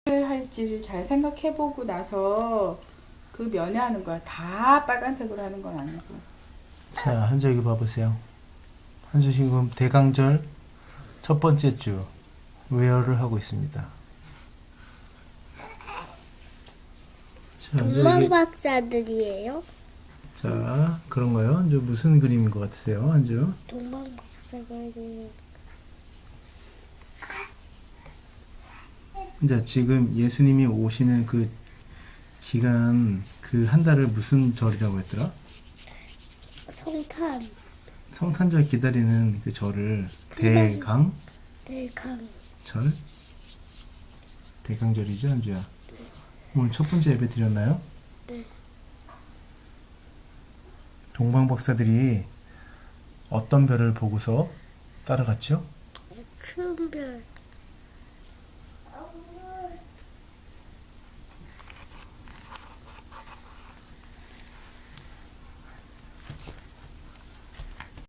할지를 잘 생각해보고 나서 그 면회하는 거야. 다 빨간색으로 하는 건 아니고. 자, 한주 여기 봐보세요. 한주 지금 대강절 첫 번째 주 웨어를 하고 있습니다. 자, 한주 동방 여기, 박사들이에요? 자, 그런가요? 한주 무슨 그림인 것 같으세요? 한주? 동방 박사들이 자, 지금 예수님이 오시는 그 기간, 그 한 달을 무슨 절이라고 했더라? 성탄, 성탄절 기다리는 그 절을 대강절? 대강, 대강절이죠, 한주야? 오늘 첫 번째 예배 드렸나요? 네. 동방박사들이 어떤 별을 보고서 따라갔죠? 큰 별,